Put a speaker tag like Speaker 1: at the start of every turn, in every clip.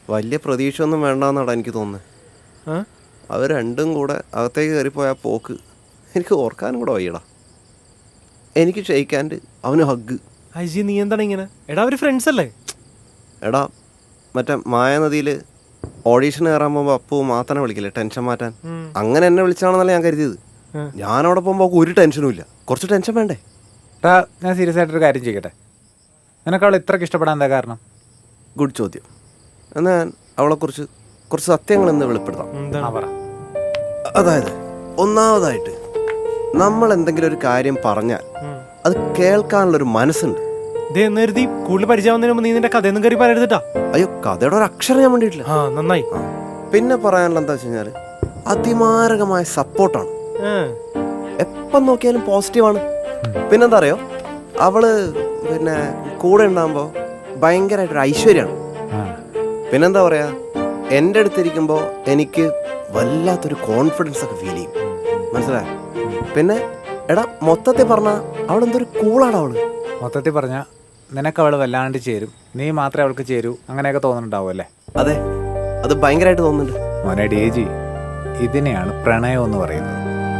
Speaker 1: വലിയ പ്രതീക്ഷ ഒന്നും വേണ്ടെന്നാണ് എനിക്ക് തോന്നുന്നത്. അവർ രണ്ടും കൂടെ അകത്തേക്ക് കയറിപ്പോയ പോക്ക് എനിക്ക് ഓർക്കാനും കൂടെ വയ്യടാ. എനിക്ക് ഷെയ്ക്കാൻഡ് അവന് ഹഗ്.
Speaker 2: അജി നീ എന്താണ് ഇങ്ങനെ? എടാ അവർ ഫ്രണ്ട്സ് അല്ലേ?
Speaker 1: എടാ മറ്റേ മായാനദിയിൽ ഓഡീഷൻ കയറാൻ പോകുമ്പോൾ അപ്പു മാത്രനെ വിളിക്കില്ലേ ടെൻഷൻ മാറ്റാൻ, അങ്ങനെ എന്നെ വിളിച്ചാണെന്നല്ല ഞാൻ കരുതിയത്. ഞാനവിടെ പോകുമ്പോൾ ഒരു ടെൻഷനും ഇല്ല. കുറച്ച് ടെൻഷൻ വേണ്ടേ?
Speaker 3: ഞാൻ സീരിയസ് ആയിട്ടൊരു കാര്യം ചെയ്യട്ടെ. നിനക്ക് അവൾ ഇത്രയ്ക്ക് ഇഷ്ടപ്പെടാൻ എന്താ കാരണം?
Speaker 1: ഗുഡ് ചോദ്യം. എന്നാൽ ഞാൻ അവളെക്കുറിച്ച് കുറച്ച് സത്യങ്ങൾ എന്ന് വെളിപ്പെടുത്താം. അതായത് ഒന്നാമതായിട്ട് നമ്മൾ എന്തെങ്കിലും ഒരു കാര്യം പറഞ്ഞാൽ അത് കേൾക്കാനുള്ളൊരു മനസ്സുണ്ട്.
Speaker 2: കൂടുതൽ പരിചയമാവുന്നതിന് മുമ്പ് നീ നിന്റെ കഥയൊന്നും കയറി പറയരുതിട്ടാ.
Speaker 1: അയ്യോ, കഥയുടെ ഒരു അക്ഷരം ഞാൻ വേണ്ടിയിട്ടില്ല.
Speaker 2: നന്നായി.
Speaker 1: പിന്നെ പറയാനുള്ള എന്താ വെച്ച് കഴിഞ്ഞാൽ അതിമാരകമായ സപ്പോർട്ടാണ്. എപ്പം നോക്കിയാലും പോസിറ്റീവാണ്. പിന്നെന്താ അറിയോ, അവള് പിന്നെ കൂടെ ഉണ്ടാകുമ്പോൾ ഭയങ്കരമായിട്ടൊരു ഐശ്വര്യമാണ്. പിന്നെന്താ പറയാ, എൻ്റെ അടുത്തിരിക്കുമ്പോൾ എനിക്ക് വല്ലാത്തൊരു കോൺഫിഡൻസ് ഒക്കെ ഫീൽ ചെയ്യും. മനസ്സിലായോ? പിന്നെ എടാ മൊത്തത്തിൽ പറഞ്ഞാൽ അവളെന്തൊരു കൂളാണ് അവള്.
Speaker 3: മൊത്തത്തിൽ പറഞ്ഞാൽ നിനക്ക് അവൾ വല്ലാണ്ട് ചേരും, നീ മാത്രമേ അവൾക്ക് ചേരൂ, അങ്ങനെയൊക്കെ തോന്നുന്നുണ്ടാവും അല്ലേ?
Speaker 1: അതെ, അത് ഭയങ്കരമായിട്ട് തോന്നുന്നുണ്ട്.
Speaker 3: മോനെ ഡേജി, ഇതിനെയാണ് പ്രണയം എന്ന് പറയുന്നത്.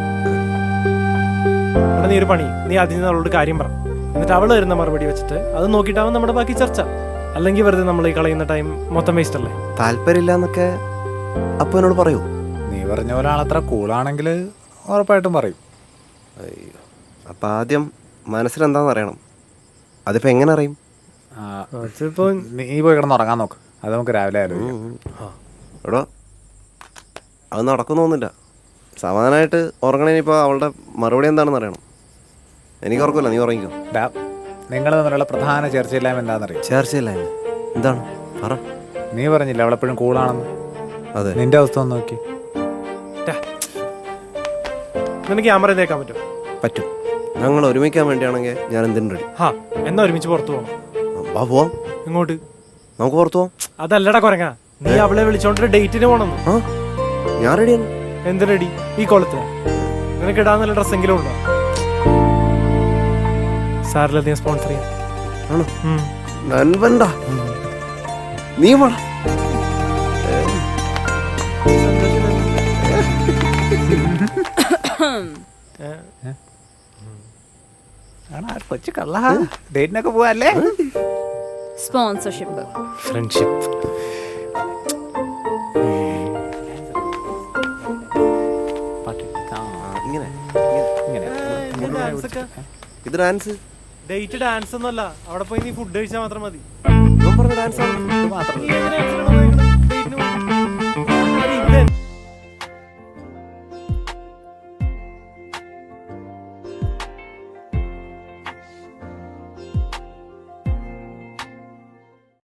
Speaker 2: നീ ഒരു പണി, നീ ആദ്യം അവളോട് കാര്യം പറ, എന്നിട്ട് അവൾ തരുന്ന മറുപടി വെച്ചിട്ട് അത് നോക്കിയിട്ടാവും നമ്മുടെ ബാക്കി ചർച്ച. അല്ലെങ്കിൽ വെറുതെ നമ്മൾ ഈ കളയുന്ന ടൈം മൊത്തം വേസ്റ്റ് അല്ലേ?
Speaker 1: താല്പര്യമില്ല എന്നൊക്കെ അപ്പൊ എന്നോട് പറയൂ.
Speaker 3: നീ പറഞ്ഞ പോലെ ആളത്ര കൂളാണെങ്കിൽ ഉറപ്പായിട്ടും പറയും.
Speaker 1: അയ്യോ, അപ്പം ആദ്യം മനസ്സിലെന്താണെന്ന് അറിയണം. അതിപ്പോൾ എങ്ങനെ അറിയും?
Speaker 3: നീ പോയി കിടന്ന് ഉറങ്ങാൻ നോക്ക്, അത് നമുക്ക് രാവിലെ ആലോചിക്കാം.
Speaker 1: എടോ, അത് നടക്കുന്നൊന്നുമില്ല. സമാധാനമായിട്ട് ഉറങ്ങണേനിപ്പോൾ അവളുടെ മറുപടി എന്താണെന്ന് അറിയണം. എനിക്ക് ഉറക്കമില്ല, നീ ഉറങ്ങിക്കോ.
Speaker 3: നിങ്ങൾ തമ്മിലുള്ള പ്രധാന ചർച്ചയില്ലായ്മ എന്താണെന്നറിയാം?
Speaker 1: ചർച്ചയില്ലായ്മ എന്താണ്? പറ.
Speaker 3: നീ പറഞ്ഞില്ല അവളെപ്പോഴും കൂളാണെന്ന്.
Speaker 1: അതെ,
Speaker 3: നിന്റെ അവസ്ഥ ഒന്ന് നോക്കി.
Speaker 2: നിനക്ക് ക്യാമറ തേക്കാൻ പറ്റും?
Speaker 1: പറ്റും. ഞങ്ങൾ ഒരുമിക്കാൻ വേണ്ടിയാണെങ്കിൽ ഞാൻ എന്തിനും റെഡി.
Speaker 2: എന്നാ ഒരുമിച്ച് പുറത്തു പോകാം.
Speaker 1: പോവാം.
Speaker 2: ഇങ്ങോട്ട്
Speaker 1: നമുക്ക് പുറത്തു പോവാം.
Speaker 2: അതല്ലടാ കൊരങ്ങ, നീ അവളെ വിളിച്ചോണ്ടൊരു ഡേറ്റിന് പോണം.
Speaker 1: ഞാൻ റെഡിയാണ്.
Speaker 2: എന്ത് റെഡി? ഈ കൊളത്തിന് നിനക്ക് ഇടാൻ നല്ല ഡ്രസ്സെങ്കിലും ഉണ്ടോ? സാറിലധികം സ്പോൺസർ ചെയ്യാം.
Speaker 1: ആണോ? നൻപണ്ട നീ വേണ.
Speaker 3: കൊച്ചു കള്ള ഡേറ്റിനൊക്കെ പോവല്ലേ?
Speaker 4: Sponsorship,
Speaker 2: friendship.
Speaker 1: ഇത് ഡാൻസ്.
Speaker 2: ഡേറ്റ് ഡാൻസ് ഒന്നുമല്ല, അവിടെ പോയി നീ ഫുഡ് കഴിച്ചാൽ മാത്രം മതി.
Speaker 1: ഡാൻസ്